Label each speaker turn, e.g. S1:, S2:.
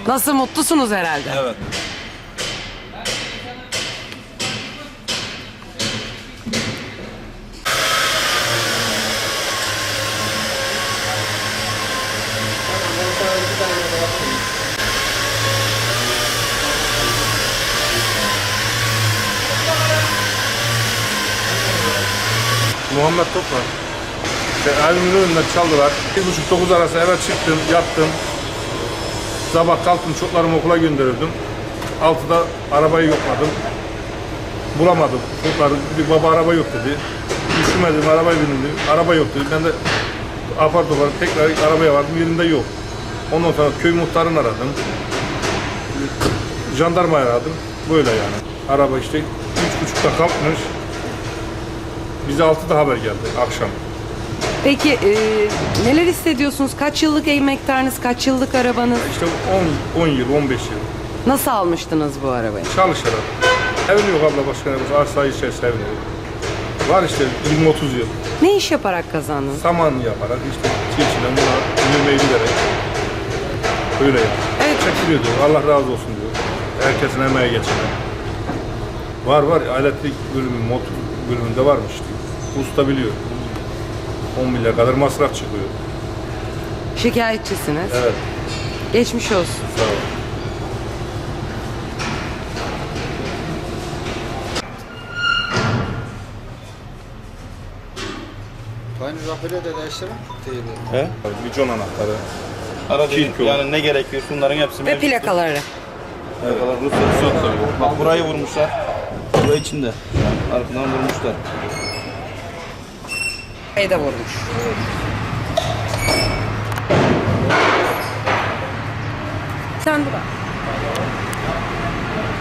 S1: Nasıl, mutlusunuz herhalde?
S2: Evet.
S3: Muhammed Toprak. Evimin önünden çaldılar. 7.30-9 arası eve çıktım, yattım. Sabah kalktım, çocuklarımı okula gönderirdim. 6'da arabayı yokladım. Bulamadım. Çocuklar bir baba araba yok dedi. Üşümedim, arabaya bindim. Araba yok dedi. Ben de apar topar tekrar arabaya vardım, yerinde yok. Ondan sonra köy muhtarını aradım. Jandarmayı aradım. Böyle yani. Araba işte 3.30'da kalkmış. Bize 6'da haber geldi akşam.
S1: Peki neler hissediyorsunuz? Kaç yıllık emektarınız, kaç yıllık arabanız?
S3: İşte 10 yıl, 15 yıl
S1: Nasıl almıştınız bu arabayı?
S3: çalışarak. Evim yok abla, başka ne var? Arsa içerisinde evim yok. Var işte 20-30 yıl.
S1: Ne iş yaparak kazandınız?
S3: Saman yaparak işte çiğçiyle buna yürümeyi bilerek. Öyle yani.
S1: Evet.
S3: Çekiliyor diyor. Allah razı olsun diyor. Herkesin emeği geçene. Var elektrik bölümü, motor bölümünde varmış diyor. Usta biliyor. 10 milyar kadar masraf çıkıyor.
S1: Şikayetçisiniz.
S3: Evet.
S1: Geçmiş olsun.
S3: Sağ ol.
S4: Aynı rafile de değiştirin.
S2: He?
S3: Vicon anahtarı.
S2: Aracın
S3: Kirko.
S2: yani ne gerekiyor? Bunların hepsi
S1: Ve
S2: mevcut.
S1: plakaları.
S2: Plakalar ruhsatı yok. Bak burayı vurmuşlar. Burayı içinde. Arkadan vurmuşlar.
S1: Burayı da vurmuş. Sen dur.